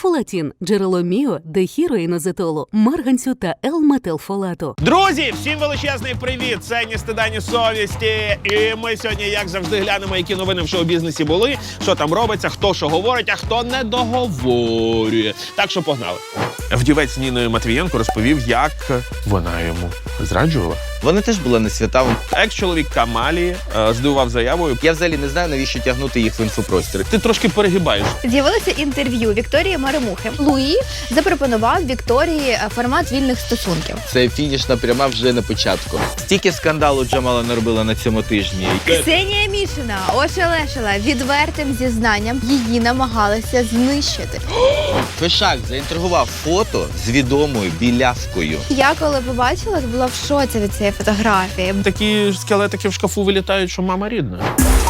Фолатін – джерело міо, дехіроїнозетолу, марганцю та L-метилфолату. Друзі, всім величезний привіт! Це «Ні стида, ні совісті». І ми сьогодні, як завжди, глянемо, які новини в шоу-бізнесі були, що там робиться, хто що говорить, а хто не договорює. Так що погнали. Вдівець з Ніною Матвієнко розповів, як вона йому зраджувала. Вони теж були не свята. Екс-чоловік Камалі здивував заявою. Я взагалі не знаю, навіщо тягнути їх в інфопростір. Ти трошки перегибаєш. З'явилося інтерв'ю Вікторії Маремухи. Луї запропонував Вікторії формат вільних стосунків. Це фінішна пряма вже на початку. Стільки скандалу Джамала наробила на цьому тижні. Ксенія Мішина ошелешила відвертим зізнанням. Її намагалися знищити. Фешак заінтригував фото з відомою білявкою. Я коли побачила, була в шоці від цієї фотографії. Такі скелетики в шкафу вилітають, що мама рідна.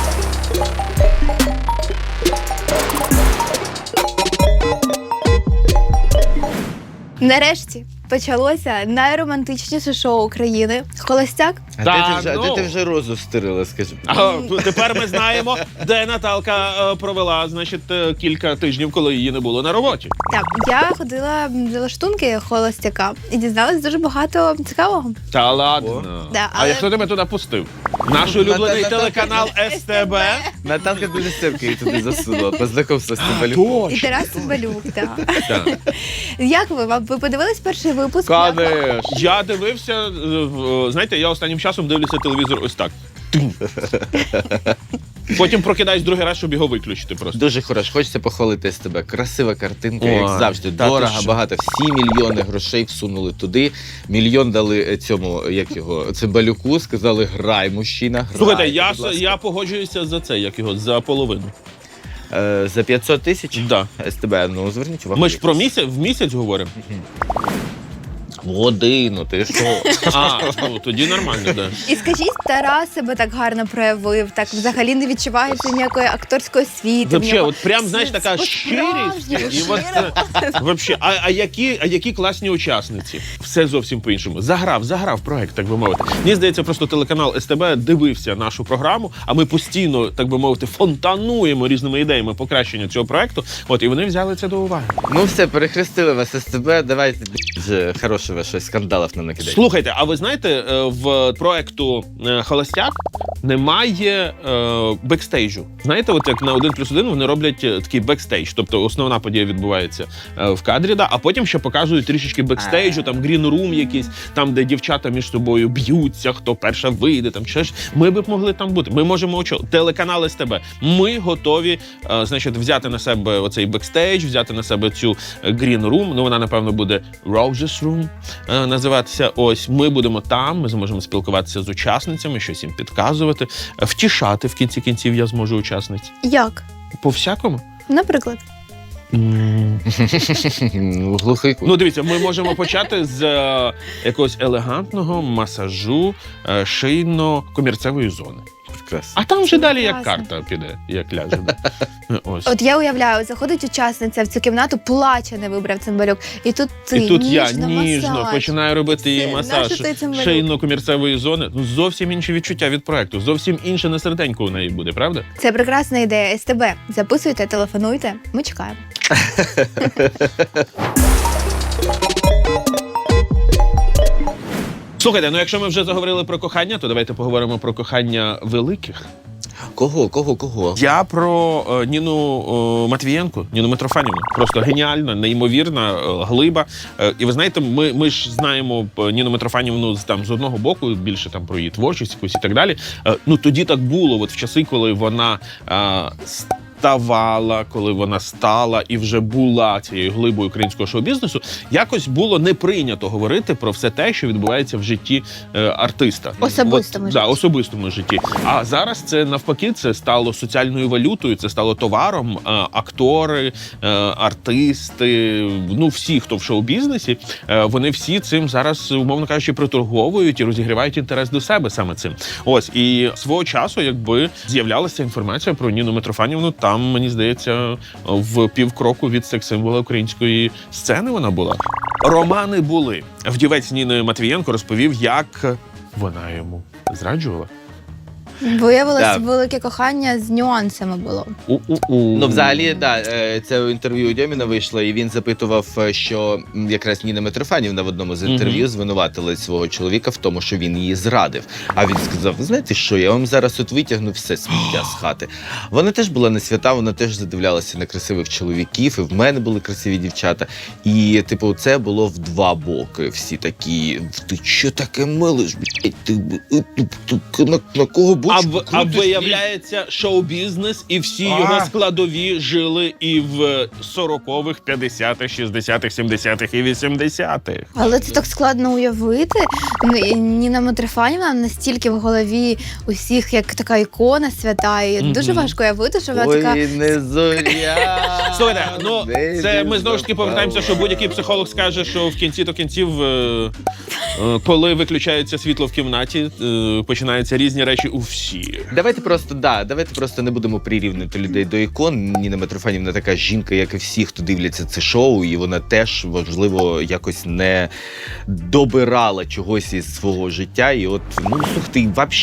Нарешті почалося найромантичніше шоу України «Холостяк». А де ти вже розу стирила, скажи? Тепер ми знаємо, де Наталка провела, значить, кілька тижнів, коли її не було на роботі. Так, я ходила за лаштунки «Холостяка» і дізналась дуже багато цікавого. Та ладно. Да, А хто тебе туди пустив? Наш улюблений телеканал СТБ. Наталка дуже стерка її туди засунула. Познайомився з Цимбалюком. І Тарас Цимбалюк, так. Так. Як ви подивились перший випуск? Конечно. Я дивився, знаєте, я останнім часом дивлюся телевізор ось так. Тинь. Потім прокидаюсь другий раз, щоб його виключити просто. Дуже хорошо. Хочеться похвалити СТБ. Красива картинка, Ой, як завжди. та ти Дорого, що? багато. Всі мільйони грошей всунули туди. Мільйон дали цьому, як його, Цимбалюку. Сказали, грай, мужчина, грай. Слухайте, будь ласка. я погоджуюся за це, як його, за половину. За 500 тисяч? Да. СТБ, ну зверніть увагу. Ми ж про в місяць говоримо. Годину, ти що? А, ну, тоді нормально, да. І скажіть, Тарас себе так гарно проявив, так взагалі не відчувається ніякої акторської освіти. Вообще, от прям, знаєш, така щирість. І от, вообще, а які класні учасниці. Все зовсім по-іншому. Заграв проект, так би мовити. Мені здається, просто телеканал СТБ дивився нашу програму, а ми постійно, так би мовити, фонтануємо різними ідеями покращення цього проекту. От, і вони взяли це до уваги. Ну все, перехрестили вас СТБ, давайте вже хорошого щось скандалів нам накидайте. Слухайте, а ви знаєте, в проекту «Холостяк» немає бекстейджу. Знаєте, от як на 1+1 вони роблять такий бекстейдж, тобто основна подія відбувається в кадрі, да, а потім ще показують трішечки бекстейджу, там грін-рум якийсь, там, де дівчата між собою б'ються, хто перша вийде, там ще ж. Ми б могли там бути. Ми можемо телеканал СТБ. Ми готові, значить, взяти на себе оцей бекстейдж, взяти на себе цю грін-рум, ну вона, напевно, буде Roses Room називатися. Ось, ми будемо там, ми зможемо спілкуватися з учасницями, щось їм підказувати, втішати в кінці кінців я зможу учасниць. Як? По-всякому. Наприклад. Глухий кут. Ну, дивіться, ми можемо почати з якогось елегантного масажу шийно-комірцевої зони. Прекрасно. А там вже далі як Прекрасно. карта піде, як ляже. Ось. От я уявляю, заходить учасниця в цю кімнату, плаче, не вибрав Цимбалюк. І тут ти І тут я ніжно ніжно починаю робити їй Це, масаж нащо ти Цимбалюк? шийно-комірцевої зони. Ну, зовсім інші відчуття від проекту, зовсім інше на серденьку у неї буде, правда? Це прекрасна ідея. СТБ. Записуйте, телефонуйте. Ми чекаємо. Слухайте, ну якщо ми вже заговорили про кохання, то давайте поговоримо про кохання великих. Кого? Я про Ніну Матвієнко, Ніну Митрофанівну. Просто геніальна, неймовірна, глиба. І ви знаєте, ми ж знаємо Ніну Митрофанівну з одного боку, більше там про її творчість якусь і так далі. Ну тоді так було, от в часи, коли вона ставала, коли вона стала і вже була цією глибою українського шоу-бізнесу, якось було не прийнято говорити про все те, що відбувається в житті артиста. Особистому житті. Да, особистому житті. А зараз це навпаки, це стало соціальною валютою, це стало товаром. Актори, артисти, ну всі, хто в шоу-бізнесі, вони всі цим зараз, умовно кажучи, приторговують і розігрівають інтерес до себе саме цим. Ось, і свого часу, якби з'являлася інформація про Ніну Митрофанівну, там, мені здається, в півкроку від секс-символа української сцени вона була. Романи були. Вдівець з Ніною Матвієнко розповів, як вона йому зраджувала. Виявилося, Да. велике кохання з нюансами було. Ну, взагалі, да, це інтерв'ю у Дьоміна вийшло, і він запитував, що якраз Ніна Митрофанівна в одному з інтерв'ю звинуватила свого чоловіка в тому, що він її зрадив. А він сказав: знаєте що, я вам зараз от витягну все сміття з хати. Вона теж була не свята, вона теж задивлялася на красивих чоловіків, і в мене були красиві дівчата. І, типу, це було в два боки. Всі такі: ти що таке милиш, блядь? На кого бочку А крутиш, виявляється, шоу-бізнес і всі його складові жили і в 40-х, 50-х, 60-х, 70-х і 80-х. Але це так складно уявити. Ніна Митрофанівна настільки в голові усіх, як така ікона свята. І дуже важко уявити, що вона така... Ой, не зоря. Слухайте, ну це ми знову ж таки повертаємося, що будь-який психолог скаже, що в кінці до кінців, коли виключається світло в кімнаті, починаються різні речі у всіх. Давайте просто не будемо прирівнювати людей до ікон. Ніна Митрофанівна така жінка, як і всі, хто дивляться це шоу, і вона теж, можливо, якось не добирала чогось із свого життя. І от, ну, слухайте,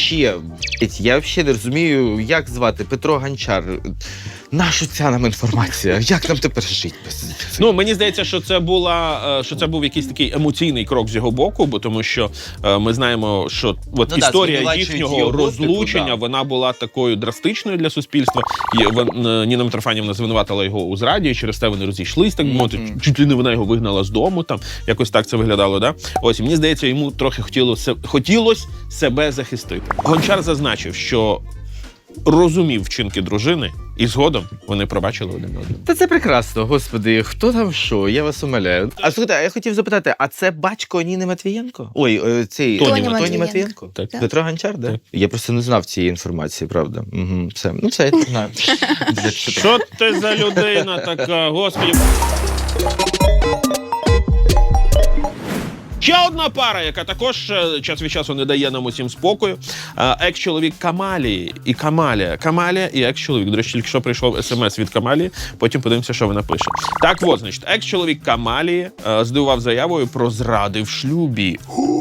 я взагалі не розумію, як звати Петро Гончар. Нащо ця нам інформація? Як нам тепер жити? Ну, мені здається, що це був якийсь такий емоційний крок з його боку, бо тому що ми знаємо, що от історія звинувачують їхнього його, розлучення, типу, вона була такою драстичною для суспільства. І Ніна Митрофанівна звинуватила його у зраді, і через те вони розійшлись, так би мовити. Чуть ли не вона його вигнала з дому, там якось так це виглядало, да? Ось, і мені здається, йому трохи хотілося себе захистити. Гончар зазначив, що розумів вчинки дружини, і згодом вони пробачили один одного. Та це прекрасно, господи, хто там що, я вас умоляю. А слухайте, а я хотів запитати, а це батько Ніни Матвієнко? Ой, цей Тоні Матвієнко? Так. Петро Гончар, да? Так. Я просто не знав цієї інформації, правда. Угу, все. Ну, це я не знаю. Що ти за людина така, господи? Ще одна пара, яка також час від часу не дає нам усім спокою. Екс-чоловік Камалії і Камалія. Камалія і екс-чоловік. До речі, тільки що прийшов смс від Камалії, потім подивимося, що вона пише. Так от, значить, екс-чоловік Камалії здивував заявою про зради в шлюбі.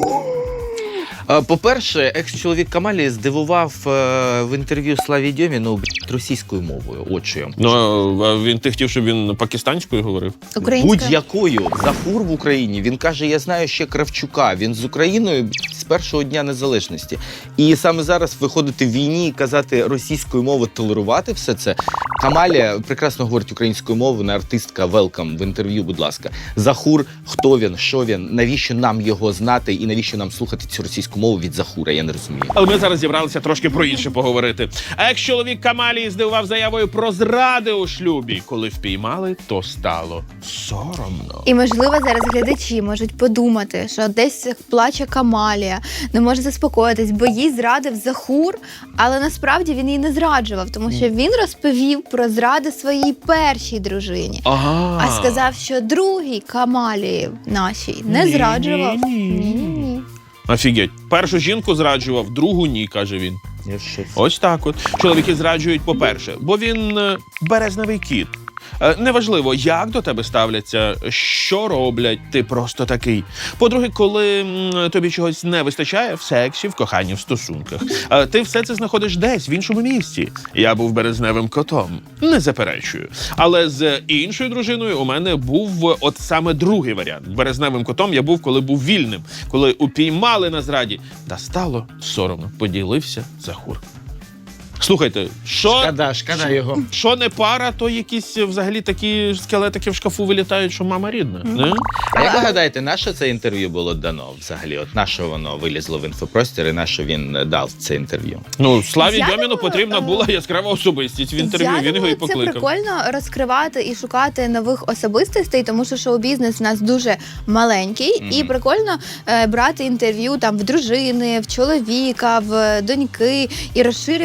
По-перше, екс-чоловік Камалії здивував в інтерв'ю Славі Дьоміну російською мовою. От що я вам кажу. Ти хотів, щоб він пакистанською говорив? Українська. Будь-якою. Захур в Україні. Він каже, я знаю ще Кравчука. Він з Україною з першого дня незалежності. І саме зараз виходити в війні і казати російською мовою, толерувати все це. Камалія прекрасно говорить українською мовою, вона артистка, велкам в інтерв'ю, будь ласка. Захур, хто він, що він, навіщо нам його знати і навіщо нам слухати цю російську мову від Захура, я не розумію. Але ми зараз зібралися трошки про інше поговорити. Екс-чоловік Камалії здивував заявою про зради у шлюбі. Коли впіймали, то стало соромно. І, можливо, зараз глядачі можуть подумати, що десь плаче Камалія, не може заспокоїтись, бо їй зрадив Захур, але насправді він її не зраджував, тому що він розповів про зради своїй першій дружині. А сказав, що другій Камалії нашій не зраджував. Ні. Офігеть. Першу жінку зраджував, другу ні, каже він. Я щось. Ось так от. Чоловіки зраджують, по-перше, бо він березневий кіт. Неважливо, як до тебе ставляться, що роблять, ти просто такий. По-друге, коли тобі чогось не вистачає в сексі, в коханні, в стосунках, ти все це знаходиш десь, в іншому місці. Я був березневим котом, не заперечую. Але з іншою дружиною у мене був от саме другий варіант. Березневим котом я був, коли був вільним, коли упіймали на зраді. Та стало соромно, поділився Захур. Слухайте, Шкода його. що не пара, то якісь взагалі такі скелетики в шкафу вилітають, що мама рідна. Не? А як ви гадаєте, на що це інтерв'ю було дано взагалі? От на що воно вилізло в інфопростір і на що він дав це інтерв'ю? Ну, Славі Я Дьоміну думаю, потрібна була яскрава особистість в інтерв'ю, Я він його думаю, і покликав. Це прикольно розкривати і шукати нових особистостей, тому що шоу-бізнес у нас дуже маленький, і прикольно брати інтерв'ю там в дружини, в чоловіка, в доньки і розширювати ці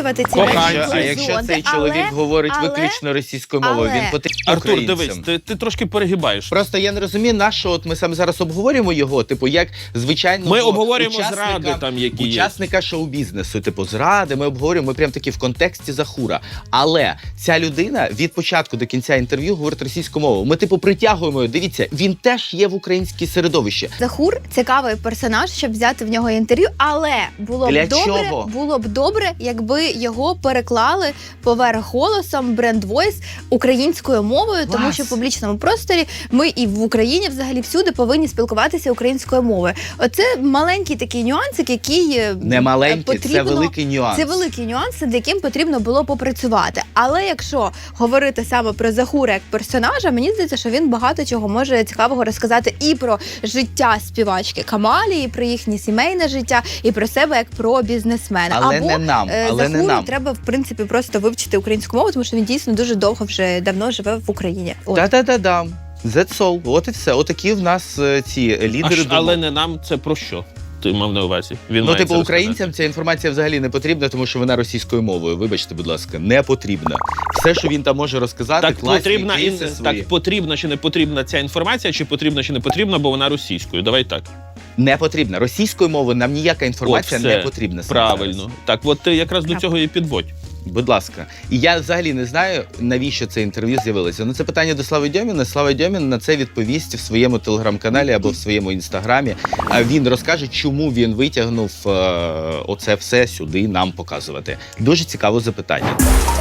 афганці. А якщо цей чоловік говорить але- виключно російською мовою, але- він потрібен Артур, українцям. дивись, ти трошки перегибаєш. Просто я не розумію, на що от ми саме зараз обговорюємо його, типу, як звичайно Ми обговорюємо зради там, які є. учасника шоу-бізнесу, типу, зради, ми обговорюємо, ми прям такі в контексті Захура. Але ця людина від початку до кінця інтерв'ю говорить російською мовою. Ми, типу, притягуємо його. Дивіться, він теж є в українській середовищі. Захур цікавий персонаж, щоб взяти в нього інтерв'ю, але Для чого? було б добре, якби його переклали поверх голосом бренд Voice українською мовою, тому Клас. що в публічному просторі ми і в Україні взагалі всюди повинні спілкуватися українською мовою. Оце маленький такий нюансик, який Не маленький, це потрібно. великий нюанс. Це великі нюанси, над яким потрібно було попрацювати. Але якщо говорити саме про Захура як персонажа, мені здається, що він багато чого може цікавого розказати і про життя співачки Камалі, і про їхнє сімейне життя, і про себе як про бізнесмена. Але Або не нам, але не Захуру нам. треба в принципі просто вивчити українську мову, тому що він дійсно дуже довго вже давно живе в Україні. От. Та-та-та-да. That's all. От і все. Отакі в нас ці лідери думок. Але не нам, це про що? Ти мав на увазі? Він Ну, має типу, це українцям ця інформація взагалі не потрібна, тому що вона російською мовою. Вибачте, будь ласка, не потрібна. Все, що він там може розказати, Так класні потрібна, кейси свої. так потрібна чи не потрібна ця інформація, чи потрібна чи не потрібна, бо вона російською. Давай так. Не потрібна. Російською мовою нам ніяка інформація От все. не потрібна. саме Правильно. зараз. Так, от ти якраз до цього і підводь. Будь ласка. І я взагалі не знаю, навіщо це інтерв'ю з'явилося. Ну, це питання до Слави Дьоміна. Слава Дьомін на це відповість в своєму телеграм-каналі або в своєму інстаграмі. А він розкаже, чому він витягнув оце все сюди нам показувати. Дуже цікаве запитання.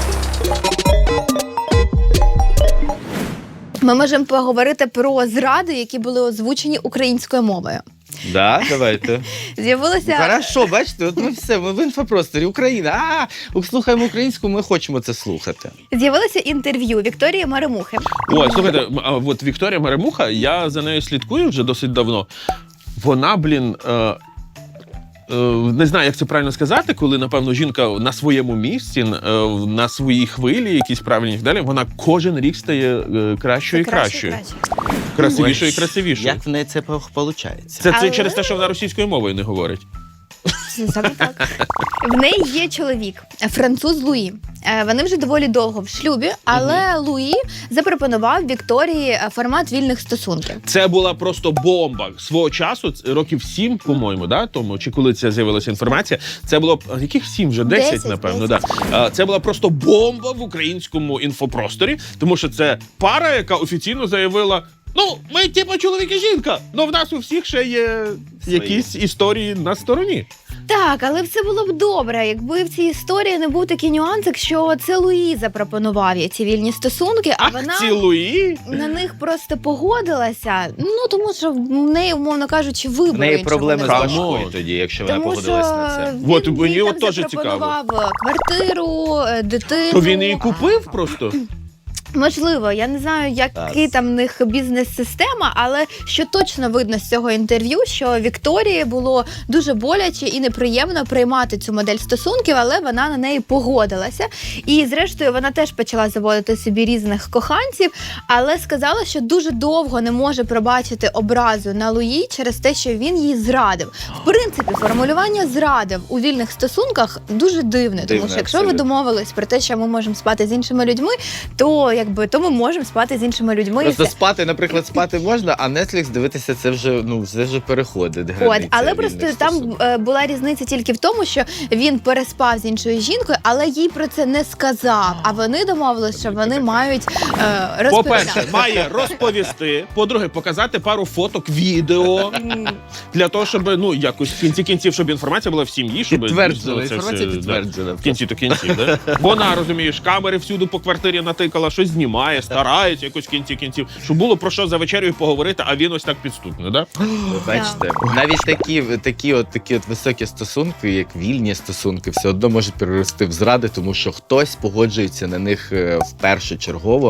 Ми можемо поговорити про зради, які були озвучені українською мовою. Да, давайте. З'явилося Хорошо, бачите, от ми все, ми в інфопросторі. Україна. Слухаємо українську, ми хочемо це слухати. З'явилося інтерв'ю Вікторії Маремухи. Ой, слухайте, а от Вікторія Маремуха, я за нею слідкую вже досить давно. Вона, не знаю, як це правильно сказати, коли, напевно, жінка на своєму місці, на своїй хвилі, якісь правильні і так далі, вона кожен рік стає кращою і кращою. Красивішою і красивішою. Як в неї це виходить? Це Але- через те, що вона російською мовою не говорить. Саме так. В неї є чоловік, француз Луї. Вони вже доволі довго в шлюбі, але Луї запропонував Вікторії формат вільних стосунків. Це була просто бомба. Свого часу, років 7, по-моєму, да, тому, чи коли це з'явилася інформація, це було, яких 7 вже, 10, напевно, 10. да. Це була просто бомба в українському інфопросторі, тому що це пара, яка офіційно заявила: ну, ми типу чоловік і жінка, але в нас у всіх ще є якісь історії на стороні. Так, але все було б добре, якби в цій історії не був такий нюансик, що це Луї запропонував їй ці вільні стосунки, а Ах, вона цілуї. на них просто погодилася. Ну тому що в неї, умовно кажучи, вибору В неї іншого проблеми з не було. башкою тоді, якщо вона Тому погодилась що на це. він От, мені їй от там теж запропонував квартиру, дитину. То він її купив просто. Можливо, я не знаю, який там в них бізнес-система, але що точно видно з цього інтерв'ю, що Вікторії було дуже боляче і неприємно приймати цю модель стосунків, але вона на неї погодилася. І зрештою вона теж почала заводити собі різних коханців, але сказала, що дуже довго не може пробачити образу на Луї через те, що він її зрадив. В принципі, формулювання зрадив у вільних стосунках дуже дивне, тому Дивне, що якщо ви абсолютно. домовились про те, що ми можемо спати з іншими людьми, то ми можемо спати з іншими людьми. Просто і все. спати, наприклад, спати можна, а Netflix дивитися це вже переходить. От, границя але вільних просто там стосунків. була різниця тільки в тому, що він переспав з іншою жінкою, але їй про це не сказав. А вони домовилися, що вони мають розповідати. По-перше, має розповісти. По-друге, показати пару фоток, відео. Для того, щоб, ну, якось в кінці кінців, щоб інформація була в сім'ї, щоб Підтверджена, ну, це інформація все, підтверджена. Да, в кінці то кінців, да? Вона, розумієш, камери всюди по квартирі натикала, щось знімає, старається якось в кінці кінців. Щоб було про що за вечерю поговорити, а він ось так підступно, да? Ви бачите, навіть такі от високі стосунки, як вільні стосунки, все одно можуть перерости в зради, тому що хтось погоджується на них впершочергово,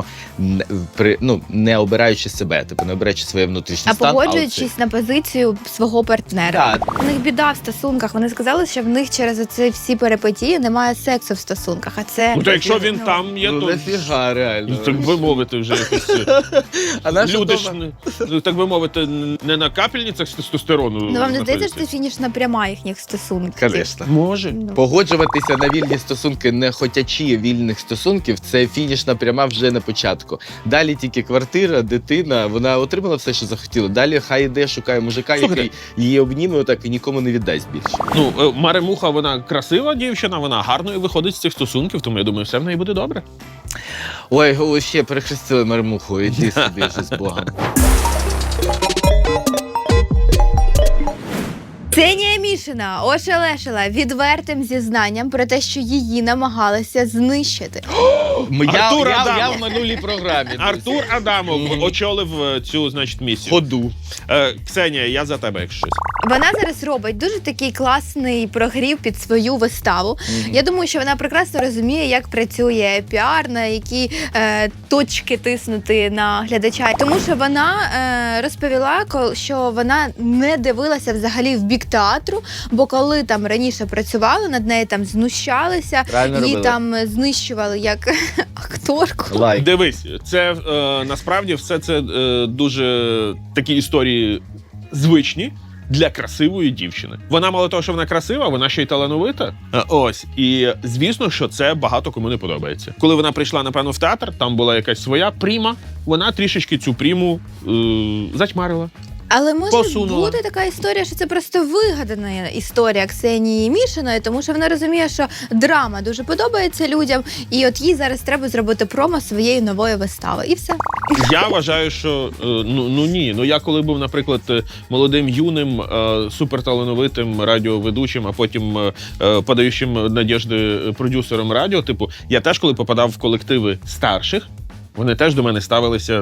не обираючи себе, тобто не обираючи своє внутрішнє А стан. погоджуючись на позицію свого партнера. Так. У них біда в стосунках. Вони сказали, що в них через оці всі перипетії немає сексу в стосунках. А це Ну, то якщо він там є, Ну, то нафіга, реально. нормально. Так би мовити, вже якось... А наша Люди ж, дома? так би мовити, не на капельницях з тестостерону. Ну вам не здається, що це знаходяться? фінішна пряма їхніх стосунків? Звісно. Може. Ну. Погоджуватися на вільні стосунки, не хотячи вільних стосунків, це фінішна пряма вже на початку. Далі тільки квартира, дитина, вона отримала все, що захотіла. Далі хай йде, шукає мужика, Слухайте. який її обніме отак і нікому не віддасть більше. Ну, Маремуха, вона красива дівчина, вона гарною виходить з цих стосунків, тому я думаю, все в неї буде добре. Ой, ще перехрестили Мармуху, іди собі вже з Богом. Ксенія Мішина ошелешила відвертим зізнанням про те, що її намагалися знищити. Артур Я Адамов. в минулій програмі. друзі. Артур Адамов очолив цю, значить, місію. Ходу. Ксенія, я за тебе, якщо щось. Вона зараз робить дуже такий класний прогрів під свою виставу. Я думаю, що вона прекрасно розуміє, як працює піар, на які точки тиснути на глядача. Тому що вона розповіла, що вона не дивилася взагалі в бік театру, бо коли там раніше працювали, над нею там знущалися, Правильно її робила. там знищували як акторку. Лайк. Дивись, це насправді все це дуже такі історії звичні для красивої дівчини. Вона мало того, що вона красива, вона ще й талановита. Ось. І звісно, що це багато кому не подобається. Коли вона прийшла, напевно, в театр, там була якась своя пріма, вона трішечки цю пріму затьмарила. Але може Посунула. бути така історія, що це просто вигадана історія Ксенії Мішиної, тому що вона розуміє, що драма дуже подобається людям, і от їй зараз треба зробити промо своєї нової вистави. І все. Я вважаю, що ні. Ну я коли був, наприклад, молодим, юним, суперталановитим радіоведучим, а потім подаючим надіжди продюсером радіо, типу, я теж, коли попадав в колективи старших, вони теж до мене ставилися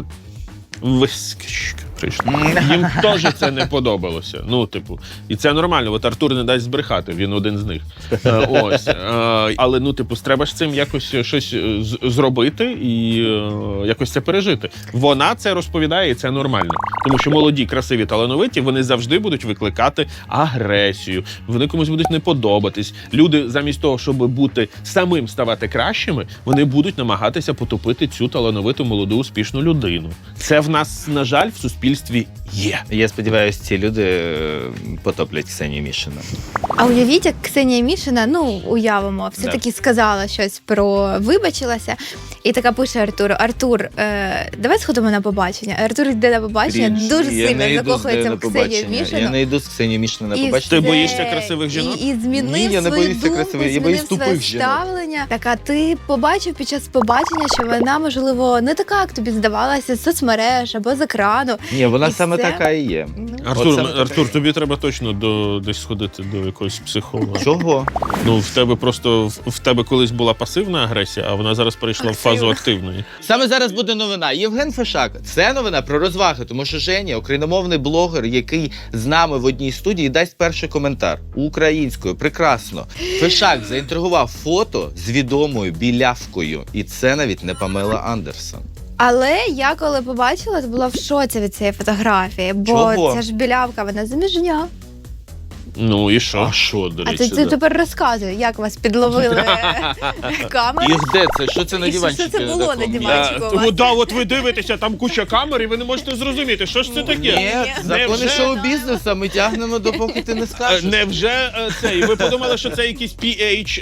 їм теж це не подобалося. Ну, типу, і це нормально. От Артур не дасть збрехати, він один з них. Ось. Але, ну, типу, треба ж з цим якось щось зробити і якось це пережити. Вона це розповідає, і це нормально. Тому що молоді, красиві, талановиті, вони завжди будуть викликати агресію. Вони комусь будуть не подобатись. Люди, замість того, щоб бути самим ставати кращими, вони будуть намагатися потопити цю талановиту, молоду, успішну людину. Це в нас, на жаль, в суспільстві є. Я сподіваюся, ці люди потоплять Ксенію Мішину. А уявіть, як Ксенія Мішина, ну, уявимо, все-таки сказала щось про вибачилася, і така пише Артуру: Артур, давай сходимо на побачення. Артур йде на побачення, дуже сильно закохується в Ксенію Мішину. Я не йду з Ксенією Мішиною на І побачення. Ти боїшся красивих жінок? І змінив Ні, я не свою боюся думку, красивих, я змінив боюсь своє тупих жінок. ставлення. Так, а ти побачив під час побачення, що вона, можливо, не така, як тобі здавалася з соцмереж або з екрану. Ні, вона І саме це- така і є. Ну, Артур, тобі треба точно десь сходити до якогось психолога. Чого? Ну, в тебе просто в тебе колись була пасивна агресія, а вона зараз перейшла в фазу активної. Саме зараз буде новина. Євген Фешак. Це новина про розваги, тому що Женя, україномовний блогер, який з нами в одній студії, дасть перший коментар українською. Прекрасно. Фешак заінтригував фото з відомою білявкою. І це навіть не Памела Андерсон. Але я коли побачила, то була в шоці від цієї фотографії, бо Чого? ця ж білявка, вона заміжня. Ну і що? А що, до А речі? ти тепер розказуй, як вас підловили камери. І де це? Що це на І що диванчику? це було на такому? диванчику? Бачимо Тому вас. да, от ви дивитеся, там куча камер, і ви не можете зрозуміти, що ж це таке. Ні, закони Невже- шоу-бізнесу ми тягнемо, допоки ти не скажеш. Невже цей? Ви подумали, що це якийсь PH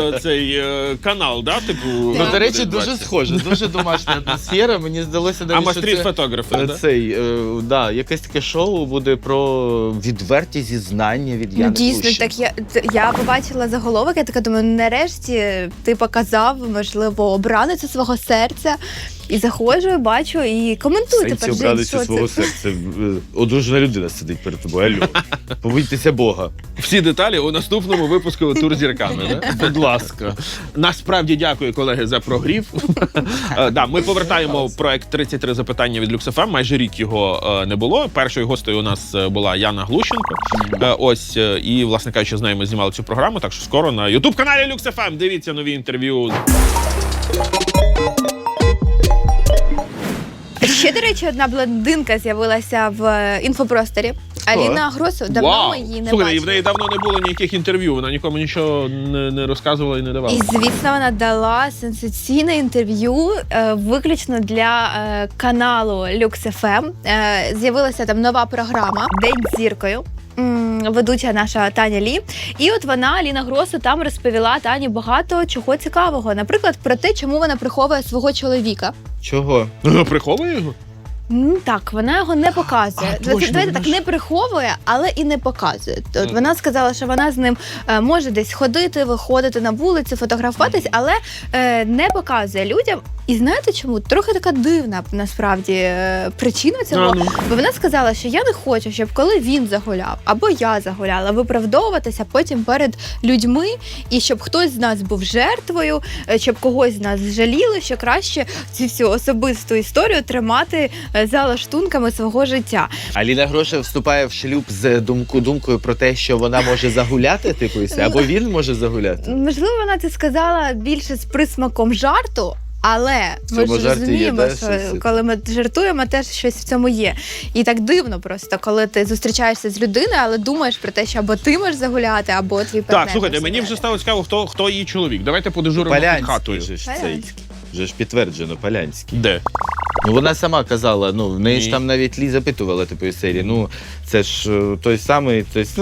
канал, да? Типу. Ну, до речі, буде дуже 20. схоже, дуже домашня атмосфера. Мені здалося А навіть, що мастріт це фотографи, да? цей, якесь таке шоу буде про відверті зізнання від Ну, Яни дійсно, Плющенко. так я побачила заголовок, я така думаю, нарешті ти показав, можливо, обраницю свого серця. І заходжу, і бачу, і коментуй тепер, Жень, що це. серця. Одружена людина сидить перед тобою. Алло. Побойтеся Бога. Всі деталі у наступному випуску «Тур зірками». Да? Будь ласка. Насправді дякую, колеги, за прогрів. Да, ми повертаємо проект «33 запитання» від Lux.FM. Майже рік його не було. Першою гостею у нас була Яна Глущенко. Ось, і, власне кажучи, з нею ми знімали цю програму, так що скоро на YouTube-каналі Lux.FM. Дивіться нові інтерв'ю. Ще, до речі, одна блондинка з'явилася в інфопросторі. Аліна Гросу, давно Вау! ми її не Слухайте, і в бачили. неї давно не було ніяких інтерв'ю, вона нікому нічого не розказувала і не давала. І, звісно, вона дала сенсаційне інтерв'ю виключно для каналу Lux FM. З'явилася там нова програма «День з зіркою». Ведуча наша Таня Лі. І от вона, Аліна Гросу, там розповіла Тані багато чого цікавого. Наприклад, про те, чому вона приховує свого чоловіка. Чого? Приховує його? Так, вона його не показує. А, точно, Давайте вона так, ж- не приховує, але і не показує. От вона сказала, що вона з ним може десь ходити, виходити на вулицю, фотографуватись, але не показує людям. І знаєте чому? Трохи така дивна, насправді, причина цього. Ну. Бо вона сказала, що я не хочу, щоб коли він загуляв, або я загуляла, виправдовуватися потім перед людьми, і щоб хтось з нас був жертвою, щоб когось з нас жаліли, що краще цю всю особисту історію тримати за лаштунками свого життя. Аліна Гроша вступає в шлюб з думкою про те, що вона може загуляти, типу, і все, або він може загуляти. Можливо, вона це сказала більше з присмаком жарту. Але В ми цьому ж жарті є, розуміємо, да, що щось? коли ми жартуємо, теж щось в цьому є. І так дивно просто, коли ти зустрічаєшся з людиною, але думаєш про те, що або ти можеш загуляти, або твій партнер. Так, слухайте, може мені вже загуляти. стало цікаво, хто її чоловік. Давайте подежуримо під хатою. Полянський же ж цей. Полянський. Вже ж підтверджено, Полянський. Де? Ну вона сама казала, ну в неї Ні. ж там навіть Лі запитувала типу із серії. Ну це ж той самий,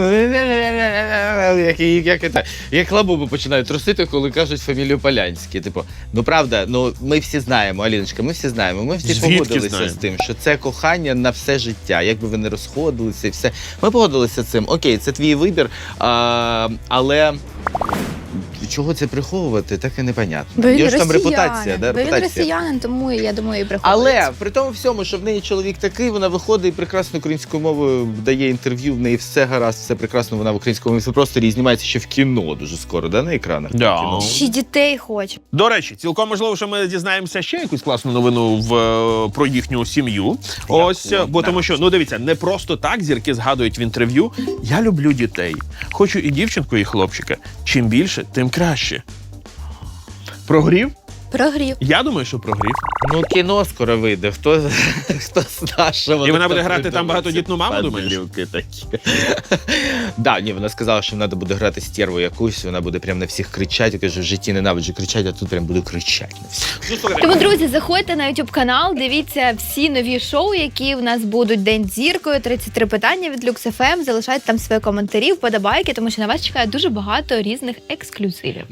як лабубу починають трусити, коли кажуть фамілію Полянський. Типу, ну правда, ну ми всі знаємо, Аліночка, ми всі знаємо. Ми всі Звідки погодилися знаємо? з тим, що це кохання на все життя. Якби ви не розходилися і все. Ми погодилися з цим. Окей, це твій вибір, але. Чого це приховувати, так і непонятно. Бо він Є ж там росіянин. репутація, да? Бо він Репутація. росіянин, тому я думаю, і приходить. Але при тому всьому, що в неї чоловік такий, вона виходить і прекрасно українською мовою дає інтерв'ю, в неї все гаразд, все прекрасно, вона в українському просторі і знімається ще в кіно дуже скоро, да, на екранах? Да. Кіно. Ще дітей хоче. До речі, цілком можливо, що ми дізнаємося ще якусь класну новину про їхню сім'ю. Ось, бо тому що, ну дивіться, не просто так зірки згадують в інтерв'ю. Я люблю дітей. Хочу і дівчинку, і хлопчика. Чим більше, тим краще. Прогрів? Прогрів. Я думаю, що прогрів. Ну, кіно скоро вийде. Хто знає, що вона І вона буде там грати придумає. там багатодітну маму, думаєш? Падлюки такі. Да, ні, вона сказала, що вона буде грати стерву якусь, вона буде прям на всіх кричати. Каже, в житті ненавиджу кричати, а тут прям буду кричати на всіх. Тому, друзі, заходьте на YouTube канал, дивіться всі нові шоу, які в нас будуть «День з зіркою», 33 питання від Lux FM. Залишайте там свої коментарі, вподобайки, тому що на вас чекає дуже багато різних ексклюзивів.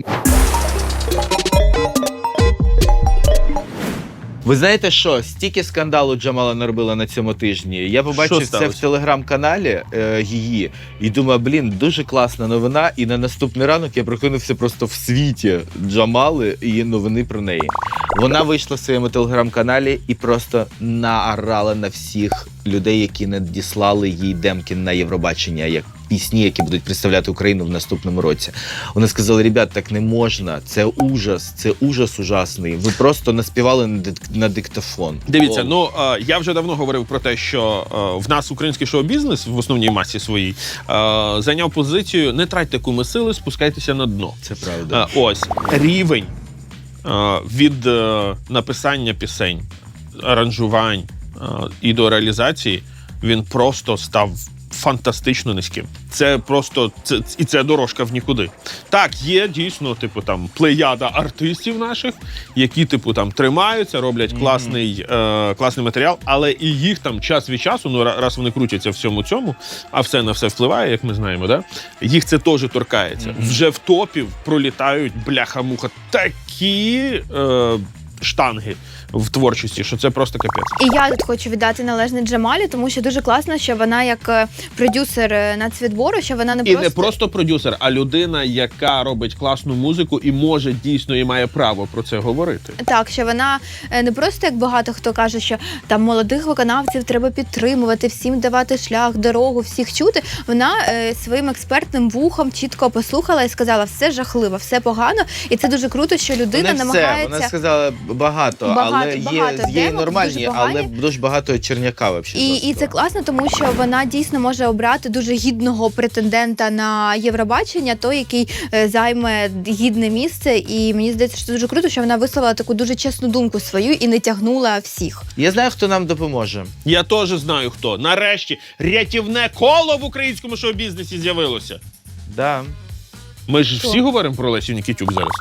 Ви знаєте що? Стільки скандалу Джамала наробила на цьому тижні. Я побачив Що це сталося? в телеграм-каналі її і думаю, блін, дуже класна новина. І на наступний ранок я прокинувся просто в світі Джамали і новини про неї. Вона вийшла в своєму телеграм-каналі і просто наорала на всіх людей, які надіслали їй демки на Євробачення, як пісні, які будуть представляти Україну в наступному році. Вони сказали, ребят, так не можна, це ужас ужасний. Ви просто наспівали на диктофон. Дивіться, ну я вже давно говорив про те, що в нас український шоу-бізнес в основній масі своїй зайняв позицію «не тратьте куми сили, спускайтеся на дно». Це правда. Ось рівень від написання пісень, аранжувань і до реалізації він просто став фантастично низьким. Це просто і це дорожка в нікуди. Так, є дійсно, типу, там плеяда артистів наших, які типу там тримаються, роблять класний матеріал, але і їх там час від часу, ну раз вони крутяться в всьому цьому, а все на все впливає, як ми знаємо, да? Їх це теж торкається. Вже в топів пролітають бляха-муха такі штанги в творчості, що це просто капець. І я тут хочу віддати належне Джамалі, тому що дуже класно, що вона як продюсер нацвідбору, що вона не І просто... не просто продюсер, а людина, яка робить класну музику і може дійсно і має право про це говорити. Так, що вона не просто, як багато хто каже, що там молодих виконавців треба підтримувати, всім давати шлях, дорогу, всіх чути. Вона своїм експертним вухом чітко послухала і сказала, все жахливо, все погано. І це дуже круто, що людина намагається... Вона сказала, багато, але є і нормальні, але дуже багато черняка взагалі. І це класно, тому що вона дійсно може обрати дуже гідного претендента на Євробачення, той, який займе гідне місце. І мені здається, що це дуже круто, що вона висловила таку дуже чесну думку свою і не тягнула всіх. Я знаю, хто нам допоможе. Я теж знаю хто. Нарешті рятівне коло в українському шоу-бізнесі з'явилося. Да. Ми ж всі говоримо про Лесю Нікітюк зараз.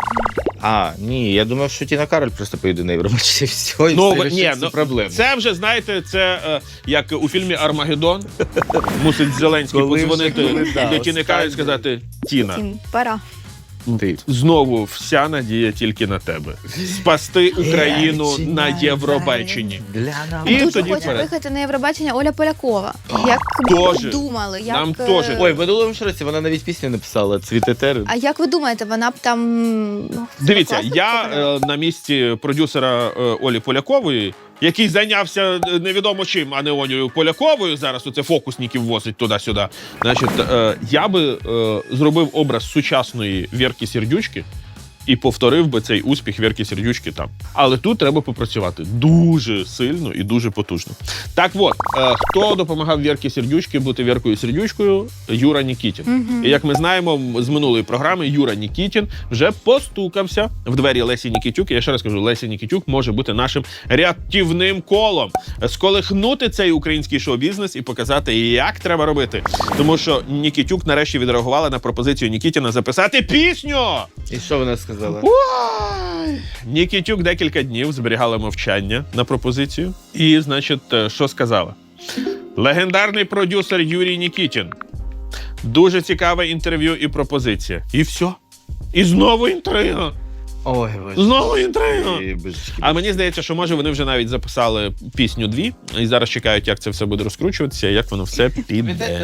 Ні, я думав, що Тіна Кароль просто поїде на Євробачення. Все, і все рішиться проблеми. Це вже, знаєте, це як у фільмі «Армагеддон». Мусить Зеленський подзвонити до Тіни Кароль і сказати: Тіна, Тім, пора. Ти. знову вся надія тільки на тебе. Спасти Україну на Євробаченні. І Дуже тоді хоче вперед. виїхати на Євробачення Оля Полякова. Як Тоже. ви думали? Як, Нам теж. Ой, в минулому ж році вона навіть пісню написала «Цвітетер». А як ви думаєте, вона б там... Дивіться, класно я показала? на місці продюсера Олі Полякової, який зайнявся невідомо чим, а не Олею Поляковою, зараз оце фокусників возить туди-сюди. Значить, я би зробив образ сучасної Вірки Сердючки і повторив би цей успіх Вірки Сердючки там. Але тут треба попрацювати дуже сильно і дуже потужно. Так от, хто допомагав Вірці Сердючки бути Віркою Сердючкою? Юра Нікітін. І як ми знаємо з минулої програми, Юра Нікітін вже постукався в двері Лесі Нікітюк. І я ще раз кажу, Леся Нікітюк може бути нашим рятівним колом. Сколихнути цей український шоу-бізнес і показати, як треба робити. Тому що Нікітюк нарешті відреагувала на пропозицію Нікітіна записати пісню! І що вона сказала? Ой! Нікітюк декілька днів зберігала мовчання на пропозицію. І, значить, що сказала? Легендарний продюсер Юрій Нікітін. Дуже цікаве інтерв'ю і пропозиція. І все. І знову інтрига. Ой, боже. Знову інтрига. Ой, божечки. А мені здається, що може вони вже навіть записали пісню 2 і зараз чекають, як це все буде розкручуватися, як воно все піде.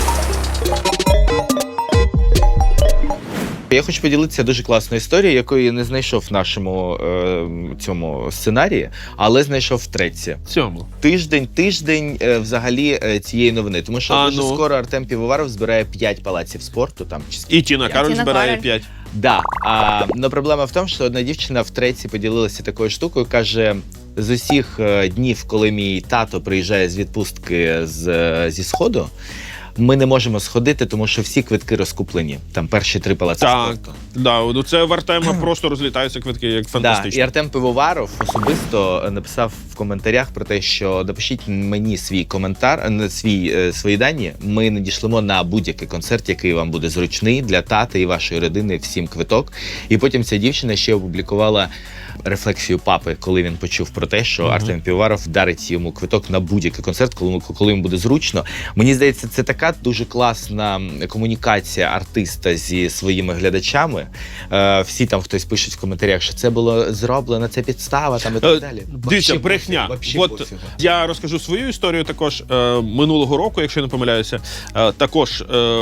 Я хочу поділитися дуже класною історією, якої я не знайшов в нашому цьому сценарії, але знайшов в треці. Цьому. Тиждень взагалі цієї новини. Тому що дуже ну? скоро Артем Півоваров збирає 5 палаців спорту. Там, чи І Тіна Кароль Тіна збирає Кароль. 5. Да. Но проблема в тому, що одна дівчина в треці поділилася такою штукою, каже: з усіх днів, коли мій тато приїжджає з відпустки зі Сходу, ми не можемо сходити, тому що всі квитки розкуплені. Там перші 3 палаци Так, спорту. да, це в Артема просто розлітаються квитки, як Да, фантастично. і Артем Пивоваров особисто написав в коментарях про те, що напишіть мені свій коментар, свої дані. Ми надішлемо на будь-який концерт, який вам буде зручний для тата і вашої родини, всім квиток. І потім ця дівчина ще опублікувала рефлексію папи, коли він почув про те, що Артем Півоваров дарить йому квиток на будь-який концерт, коли йому буде зручно. Мені здається, це така дуже класна комунікація артиста зі своїми глядачами. Всі там хтось пишуть в коментарях, що це було зроблено, це підстава там і так далі. Дивіться, Вообще брехня. пофігу, вообще пофігу. Я розкажу свою історію також. Минулого року, якщо я не помиляюся, також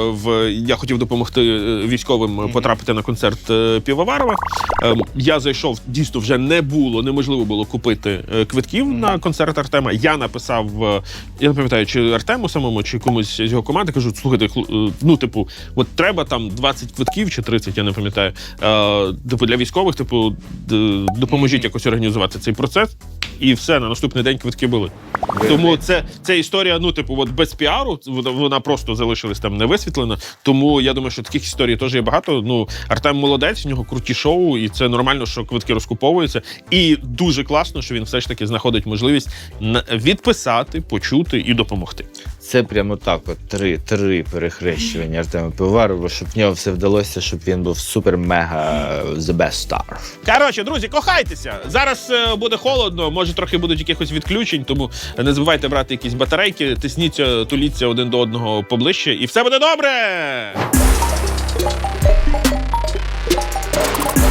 я хотів допомогти військовим потрапити на концерт Півоварова. Я зайшов, дійсно вже неможливо було купити квитків на концерт Артема. Я написав, я не пам'ятаю, чи Артему самому, чи комусь з його команди, кажу: слухайте, от треба там 20 квитків чи 30, я не пам'ятаю, для військових, допоможіть якось організувати цей процес. І все, на наступний день квитки були. Тому це історія, без піару, вона просто залишилась там невисвітлена. Тому я думаю, що таких історій теж є багато. Артем молодець, в нього круті шоу, і це нормально, що квитки розкуповуються. І дуже класно, що він все ж таки знаходить можливість відписати, почути і допомогти. Це прямо так, три перехрещування Артема Пивоварова, щоб в нього все вдалося, щоб він був супер-мега the best star. Коротше, друзі, кохайтеся! Зараз буде холодно, може трохи будуть якихось відключень, тому не забувайте брати якісь батарейки, тисніться, туліться один до одного поближче, і все буде добре!